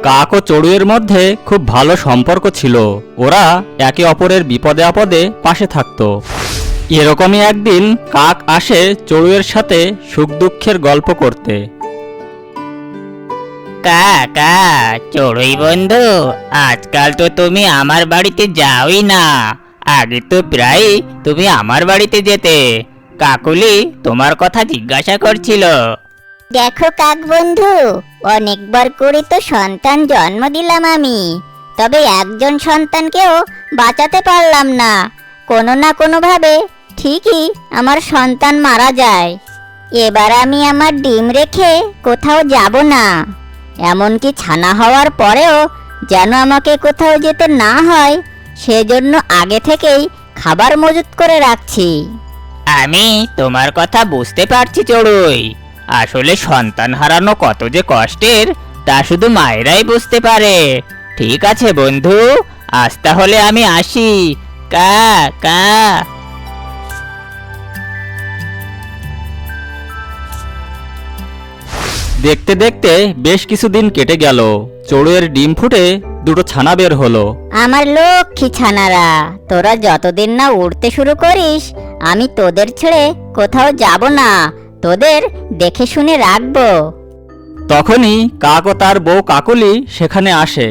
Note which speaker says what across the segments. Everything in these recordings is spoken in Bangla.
Speaker 1: কাক ও চড়ুইয়ের মধ্যে খুব ভালো সম্পর্ক ছিল। ওরা একে অপরের বিপদে আপদে পাশে থাকত। এরকমই একদিন কাক আসে চড়ুইয়ের সাথে সুখ দুঃখের গল্প করতে।
Speaker 2: কাকা, চড়ুই বন্ধু, আজকাল তো তুমি আমার বাড়িতে যাওই না। আগে তো প্রায় তুমি আমার বাড়িতে যেতে। কাকুলি তোমার কথা জিজ্ঞাসা করছিল।
Speaker 3: দেখো কাক বন্ধু, অনেকবার করে তো সন্তান জন্ম দিলাম আমি, তবে একজন সন্তানকেও বাঁচাতে পারলাম না। কোনো না কোনোভাবে ঠিকই আমার সন্তান মারা যায়। এবার আমি আমার ডিম রেখে কোথাও যাব না, এমনকি ছানা হওয়ার পরেও যেন আমাকে কোথাও যেতে না হয়, সেজন্য আগে থেকেই খাবার মজুত করে রাখছি।
Speaker 2: আমি তোমার কথা বুঝতে পারছি চড়ুই। আসলে সন্তান হারানো কত যে কষ্টের তা শুধু মায়েরাই বুঝতে পারে। ঠিক আছে বন্ধু, আজ তাহলে আমি আসি। কা কা।
Speaker 1: দেখতে দেখতে বেশ কিছুদিন কেটে গেল। চড়ুইয়ের ডিম ফুটে দুটো ছানা বের হলো।
Speaker 3: আমার লক্ষ্মী ছানারা, তোরা যতদিন না উড়তে শুরু করিস, আমি তোদের ছেড়ে কোথাও যাব না, তোদের দেখে শুনে রাখবো।
Speaker 1: তখনই কাক ও তার বউ কাকলি সেখানে আসে।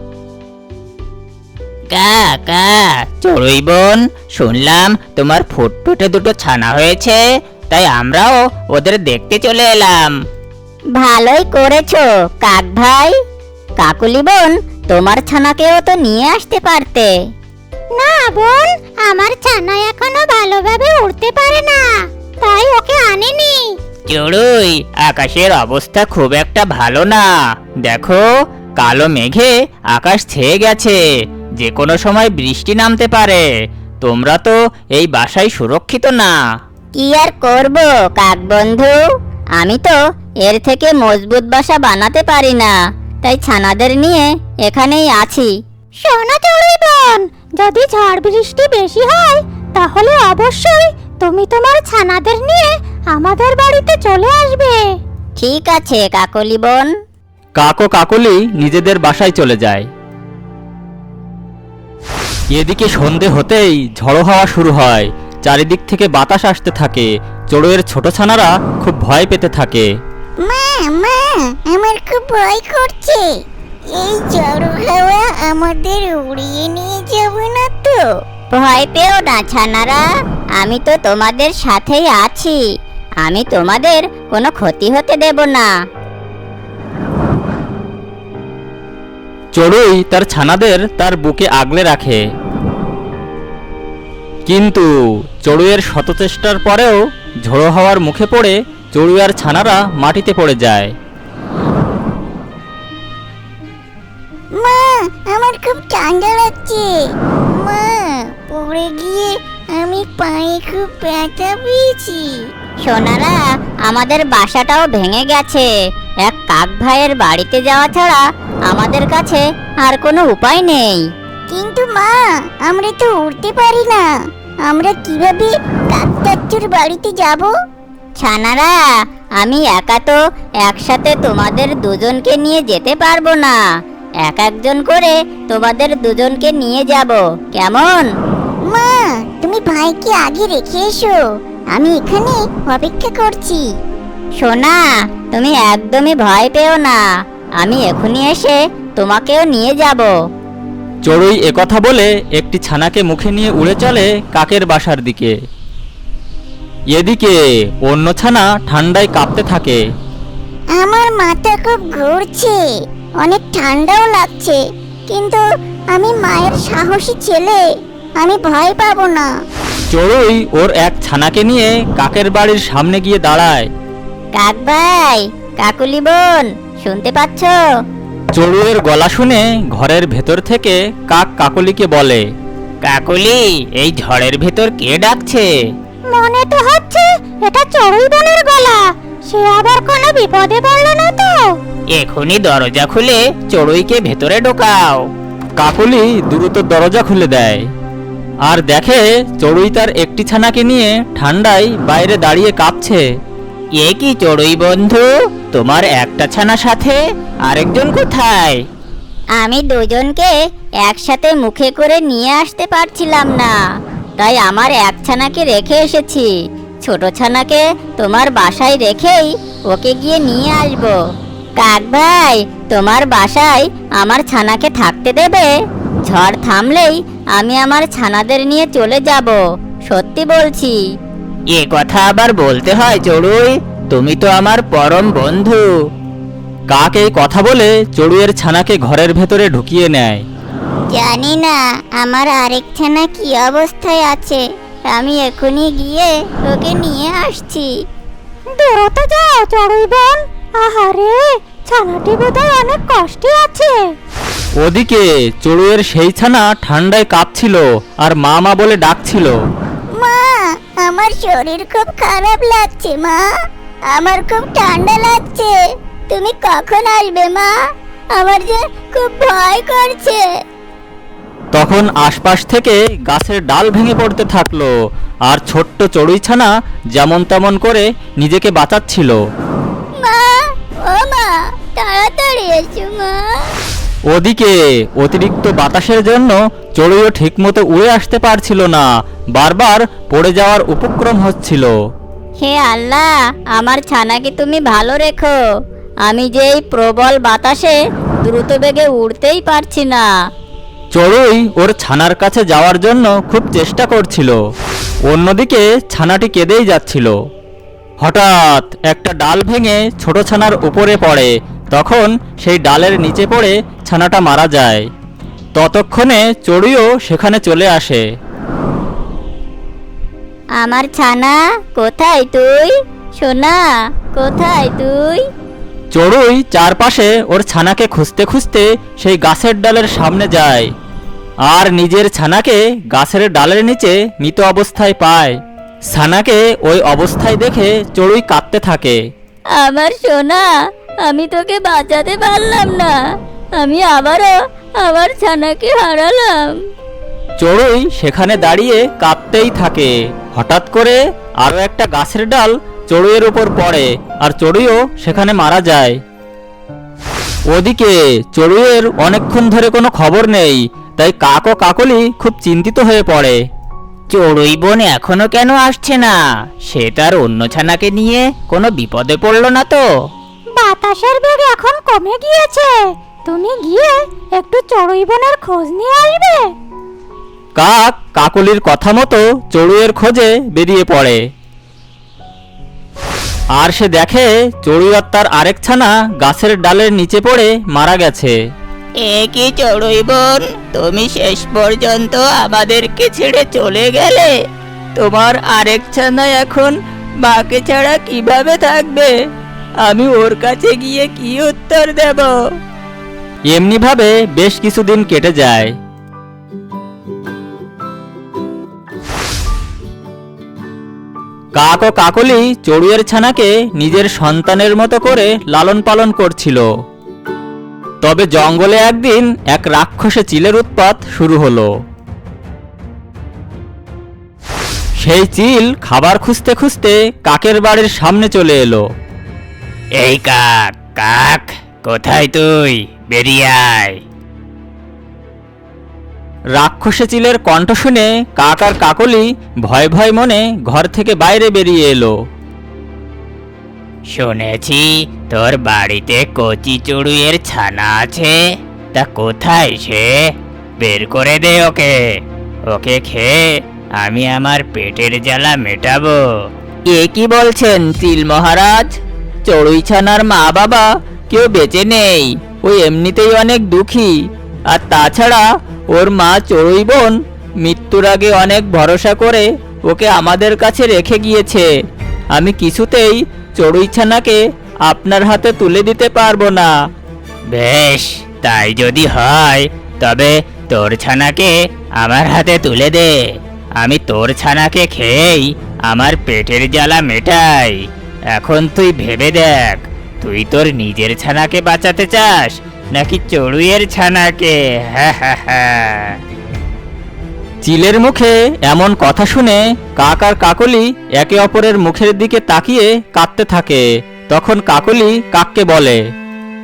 Speaker 2: কা কা। চড়ুই বোন, শুনলাম তোমার ফুটফুটে দুটো ছানা হয়েছে, তাই আমরাও ওদের দেখতে চলে এলাম।
Speaker 3: ভালোই করেছো কাক ভাই। কাকুলি বোন, তোমার ছানাকেও তো নিয়ে আসতে পারতে। না বোন, আমার ছানা এখনো ভালোভাবে উড়তে পারে না, তাই ওকে আনিনি।
Speaker 2: চড়ুই, আকাশের অবস্থা খুব একটা ভালো না। দেখো, কালো মেঘে আকাশ ছেয়ে গেছে, যে কোনো সময় বৃষ্টি নামতে পারে। তোমরা তো এই বাসায় সুরক্ষিত না।
Speaker 3: কি আর করব কাক বন্ধু, আমি তো এর থেকে মজবুত বাসা বানাতে পারি না, তাই ছানাদের নিয়ে এখানেই আছি। শোনো চড়ুই বোন, যদি ঝড় বৃষ্টি বেশি হয় তাহলে অবশ্যই তুমি তোমার ছানাদের নিয়ে আমাদের বাড়িতে চলে আসবে। ঠিক আছে কাকলি বোন।
Speaker 1: কাক ও কাকলি নিজেদের বাসায় চলে যায়। এদিকে সন্ধে হতেই ঝড়ো হাওয়া শুরু হয়। চারিদিক থেকে বাতাস আসতে থাকে। চড়ুইয়ের ছোট ছানারা খুব ভয় পেতে থাকে।
Speaker 3: মা মা, আমার খুব ভয় করছে। এই ঝড় হাওয়া আমাদের উড়িয়ে নিয়ে যাবে না তো? ভয় পেও না ছানারা, আমি তো তোমাদের সাথেই আছি। আমি তোমাদের কোনো ক্ষতি হতে দেব না।
Speaker 1: চড়ুই তার ছানাদের তার বুকে আগলে রাখে। কিন্তু চড়ুইয়ের শত চেষ্টার পরেও ঝড়ো হাওয়ার মুখে পড়ে চড়ুই আর ছানারা মাটিতে পড়ে যায়।
Speaker 3: মা, আমার খুব ঠান্ডা লাগছে। মা, পড়ে গিয়ে আমি পায়ে খুব ব্যথা পেয়েছি। সোনারা, আমাদের বাসাটাও ভেঙে গেছে। এক কাক ভাইয়ের বাড়িতে যাওয়া ছাড়া আমাদের কাছে আর কোনো উপায় নেই। কিন্তু মা, আমরা তো উড়তে পারি না, আমরা কিভাবে কাকটাচ্চুর বাড়িতে যাব? ছানারা, আমি একা তো একসাথে তোমাদের দুজনকে নিয়ে যেতে পারবো না। এক একজন করে তোমাদের দুজনকে নিয়ে যাব, কেমন? মা, তুমি ভাইকে আগে রেখে এসো, আমি এখানে অপেক্ষা করছি। সোনা, তুমি একদমই ভয় পেও না, আমি এখনই এসে তোমাকেও নিয়ে যাব।
Speaker 1: চড়ুই একথা বলে একটি ছানাকে মুখে নিয়ে উড়ে চলে কাকের বাসার দিকে। এদিকে অন্য ছানা ঠান্ডায় কাঁপতে থাকে।
Speaker 3: আমার মাথা খুব ঘুরছে, অনেক ঠান্ডাও লাগছে, কিন্তু আমি মায়ের সাহসী ছেলে, আমি ভয় পাবো না।
Speaker 1: চড়ুই ওর এক ছানাকে নিয়ে কাকের বাড়ির সামনে গিয়ে দাঁড়ায়।
Speaker 3: কাক ভাই, কাকুলি বোন, শুনতে পাচ্ছ?
Speaker 1: চড়ুইয়ের গলা শুনে ঘরের ভেতর থেকে কাক কাকলিকে বলে,
Speaker 2: কাকুলি, এই ঝড়ের ভেতর কে ডাকছে?
Speaker 3: মনে তো হচ্ছে এটা চড়ুই বোনের গলা, সে আবার কোনো বিপদে পড়লো না তো?
Speaker 2: এখনই দরজা খুলে চড়ুইকে ভেতরে ঢোকাও।
Speaker 1: কাকলি দ্রুত দরজা খুলে দেয় আর দেখে চড়ুই তার একটি ছানাকে নিয়ে ঠান্ডায় বাইরে দাঁড়িয়ে কাঁপছে।
Speaker 2: এ কি চড়ুই বন্ধু, তোমার একটা ছানা সাথে, আরেকজন কোথায়?
Speaker 3: আমি দুজনকে একসাথে মুখে করে নিয়ে আসতে পারছিলাম না, তাই আমার এক ছানাকে রেখে এসেছি। ছোট ছানাকে তোমার বাসায় রেখেই ওকে গিয়ে নিয়ে আসবো। কাক ভাই, তোমার বাসায় আমার ছানাকে থাকতে দেবে? ঝড় থামলেই আমি আমার ছানাদের নিয়ে চলে যাব, সত্যি বলছি।
Speaker 2: এ কথা আবার বলতে হয় চড়ুই, তুমি তো আমার পরম বন্ধু।
Speaker 1: কাক এই কথা বলে চড়ুইয়ের ছানাকে ঘরের ভেতরে ঢুকিয়ে নেয়।
Speaker 3: জানি না আমার আরেক ছানা কি অবস্থায় আছে, আমি এখনই গিয়ে ওকে নিয়ে আসছি।
Speaker 4: দ্রুত যাও চড়ুই বোন, আহারে ছানাটি বোধহয় অনেক কষ্টে আছে।
Speaker 1: ওদিকে চড়ুইয়ের সেই ছানা ঠান্ডায় কাঁপছিল আর মা মা বলে ডাকছিল।
Speaker 3: মা, আমার শরীর খুব খারাপ লাগছে মা, আমার খুব ঠান্ডা লাগছে। তুমি কখন আসবে মা? আমার যে খুব ভয় করছে।
Speaker 1: তখন আশপাশ থেকে গাছের ডাল ভেঙে পড়তে থাকলো আর ছোট্ট চড়ুই ছানা যেমন তেমন করে নিজেকে বাঁচাচ্ছিল।
Speaker 3: মা, ও মা, তাড়াতাড়ি এসো মা।
Speaker 1: ওদিকে অতিরিক্ত বাতাসের জন্য চড়ুইও ঠিকমতো উড়ে আসতে পারছিল না, বারবার পড়ে যাওয়ার উপক্রম হচ্ছিল।
Speaker 3: হে আল্লাহ, আমার ছানাকে তুমি ভালো রেখো। আমি যে এই প্রবল বাতাসে দ্রুত বেগে উড়তেই পারছি না।
Speaker 1: চড়ুই ওর ছানার কাছে যাওয়ার জন্য খুব চেষ্টা করছিল, অন্যদিকে ছানাটি কেঁদেই যাচ্ছিল। হঠাৎ একটা ডাল ভেঙে ছোট ছানার উপরে পড়ে, তখন সেই ডালের নিচে পড়ে ছানাটা মারা যায়। ততক্ষণে চড়ুইও সেখানে চলে আসে।
Speaker 3: আমার ছানা, কোথায় তুই? সোনা, কোথায় তুই?
Speaker 1: চড়ুই চারপাশে ওর ছানাকে খুঁজতে খুঁজতে সেই গাছের ডালের সামনে যায় আর নিজের ছানাকে গাছের ডালের নিচে মৃত অবস্থায় পায়। ছানাকে ওই অবস্থায় দেখে চড়ুই কাঁদতে থাকে।
Speaker 3: আমার সোনা, আমি তোকে বাঁচাতে পারলাম না, আমি আবারও আমার ছানাকে হারালাম।
Speaker 1: চড়ুই সেখানে দাঁড়িয়ে কাঁদতেই থাকে। হঠাৎ করে আরো একটা গাছের ডাল চড়ুইয়ের উপর পড়ে আর চড়ুইও সেখানে মারা যায়। ওদিকে চড়ুইয়ের অনেকক্ষণ ধরে কোনো খবর নেই, তাই কাক ও কাকলি খুব চিন্তিত হয়ে পড়ে।
Speaker 2: চড়ুই বোন এখনো কেন আসছে না? সে তার অন্য ছানাকে নিয়ে কোনো বিপদে পড়লো না তো?
Speaker 4: বাতাসের বেগ এখন কমে গিয়েছে, তুমি গিয়ে একটু চড়ুই বোনের খোঁজ নিয়ে আসবে।
Speaker 1: কাক কাকলির কথা মতো চড়ুইয়ের খোঁজে বেরিয়ে পড়ে আর সে দেখে চড়ুই আর তার আরেক ছানা গাছের ডালের নিচে পড়ে মারা গেছে।
Speaker 2: এ কি চড়ুই বোন, তুমি শেষ পর্যন্ত আমাদেরকে ছেড়ে চলে গেলে? তোমার আরেক ছানা এখন মাকে ছাড়া কিভাবে থাকবে? আমি ওর কাছে গিয়ে কি উত্তর দেব?
Speaker 1: এমনিভাবে বেশ কিছুদিন কেটে যায়। কাক ও কাকলি চড়ুইয়ের ছানাকে নিজের সন্তানের মতো করে লালন পালন করছিল। তবে জঙ্গলে একদিন এক রাক্ষসে চিলের উৎপাত শুরু হলো। সেই চিল খাবার খুঁজতে খুঁজতে কাকের বাড়ির সামনে চলে এলো।
Speaker 2: এই কাক, কাক, কোথায় তুই? বেরিয়ে আয়।
Speaker 1: রাক্ষসে চিলের কণ্ঠ শুনে কাক আর কাকলি ভয় ভয় মনে ঘর থেকে বাইরে বেরিয়ে এলো।
Speaker 2: শুনেছি তোর বাড়িতে কচি চড়ুইয়ের ছানা আছে, তা কোথায় সে? বের করে দে ওকে, ওকে খেয়ে আমি আমার পেটের জ্বালা মেটাবো। এ কি বলছেন চিল মহারাজ? চড়ুই ছানার মা বাবা কেউ বেঁচে নেই, ওই এমনিতেই অনেক দুঃখী। আর তাছাড়া ওর মা চড়ুই বোন মৃত্যুর আগে অনেক ভরসা করে ওকে আমাদের কাছে রেখে গিয়েছে। আমি কিছুতেই চড়ুই ছানাকে আপনার হাতে তুলে দিতে পারবো না। বেশ, তাই যদি হয় তবে তোর ছানাকে আমার হাতে তুলে দে। আমি তোর ছানাকে খেয়েই আমার পেটের জ্বালা মেটাই। এখন তুই ভেবে দেখ, তুই তোর নিজের ছানাকে বাঁচাতে চাস নাকি চড়ুইয়ের ছানাকে? হ্যাঁ হ্যাঁ হ্যাঁ।
Speaker 1: চিলের মুখে এমন কথা শুনে কাক আর কাকলি একে অপরের মুখের দিকে তাকিয়ে কাঁদতে থাকে। তখন কাকলি কাককে বলে,
Speaker 4: চড়ুই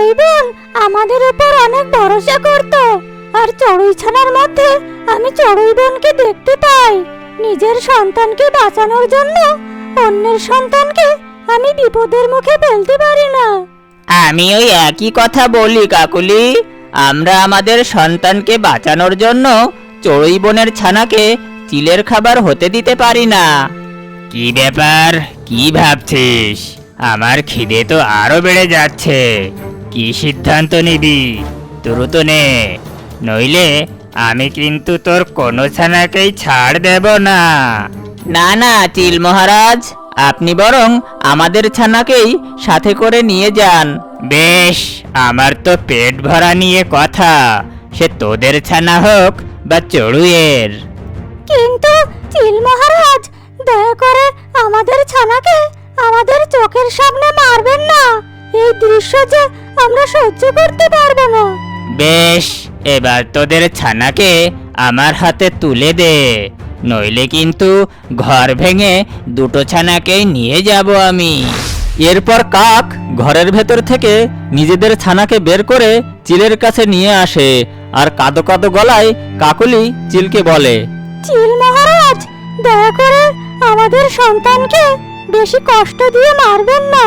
Speaker 4: চড়ুই বোন আমাদের উপর অনেক ভরসা করত, আর চড়ুই ছানার মধ্যে আমি চড়ুই বোনকে দেখতে পাই। নিজের সন্তানকে বাঁচানোর জন্য অন্যের সন্তানকে আমি বিপদের মুখে ফেলতে পারি না।
Speaker 2: আমি ওই একই কথা বলি কাকুলি। আমরা আমাদের সন্তানকে বাঁচানোর জন্য চড়ুই বোনের ছানাকে চিলের খাবার হতে দিতে পারি না। কি ব্যাপার, কি ভাবছিস? আমার খিদে তো আরো বেড়ে যাচ্ছে। কি সিদ্ধান্ত নিবি? দ্রুত নে, নইলে আমি কিন্তু তোর কোনো ছানাকেই ছাড় দেব না। না না চিল মহারাজ, আপনি বরং আমাদের ছানাকেই সাথে করে নিয়ে যান। বেশ, আমার তো পেট ভরা নিয়ে কথা, সে তোদের ছানা হোক বা চড়ুইয়ের।
Speaker 4: কিন্তু চিল মহারাজ, দয়া করে আমাদের ছানাকে আমাদের চোখের সামনে মারবেন না। এই দৃশ্য যে আমরা সহ্য করতে পারবো না।
Speaker 2: বেশ, এবার তোদের ছানাকে আমার হাতে তুলে দে, নইলে কিন্তু ঘর ভেঙে দুটো ছানাকেই নিয়ে যাব আমি।
Speaker 1: এরপর কাক ঘরের ভেতর থেকে নিজেদের ছানাকে বের করে চিলের কাছে নিয়ে আসে, আর কাঁদো কাঁদো গলায় কাকলি চিলকে বলে,
Speaker 4: চিল মহারাজ, দয়া করে আমাদের সন্তানকে বেশি কষ্ট দিয়ে মারবেন না।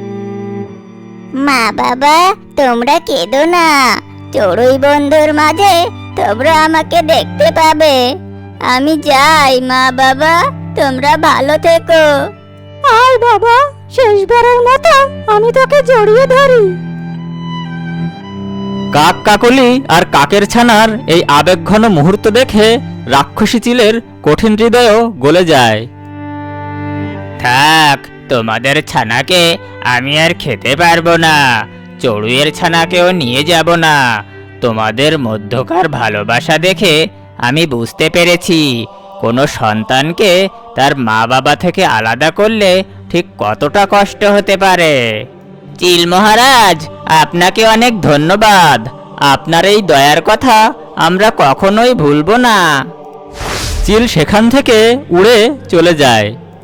Speaker 3: মা বাবা, তোমরা কেঁদো না। চড়ুই বন্ধুর মাঝে তোমরা আমাকে দেখতে পাবে। আমি যাই মা বাবা, তোমরা ভালো থেকো।
Speaker 4: আয় বাবা, শেষবারের মতো আমি তোকে জড়িয়ে ধরি।
Speaker 1: কাক কাকলি আর কাকের ছানার এই আবেগঘন মুহূর্ত দেখে রাক্ষসী চিলের কঠিন হৃদয়ও গলে যায়।
Speaker 2: থাক, তোমাদের ছানাকে আমি আর খেতে পারবো না, চড়ুইয়ের ছানাকেও নিয়ে যাব না। তোমাদের মধ্যকার ভালোবাসা দেখে আমি বুঝতে পেরেছি কোনো সন্তানকে তার মা বাবা থেকে আলাদা করলে ঠিক কতটা কষ্ট হতে পারে। চিল মহারাজ, আপনাকে অনেক ধন্যবাদ। আপনার এই দয়ার কথা আমরা কখনোই ভুলবো না।
Speaker 1: চিল সেখান থেকে উড়ে চলে যায়।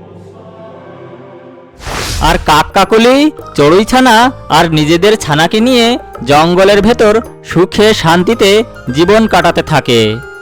Speaker 1: আর কাক কাকলি চড়ুই ছানা আর নিজেদের ছানাকে নিয়ে জঙ্গলের ভেতর সুখে শান্তিতে জীবন কাটাতে থাকে।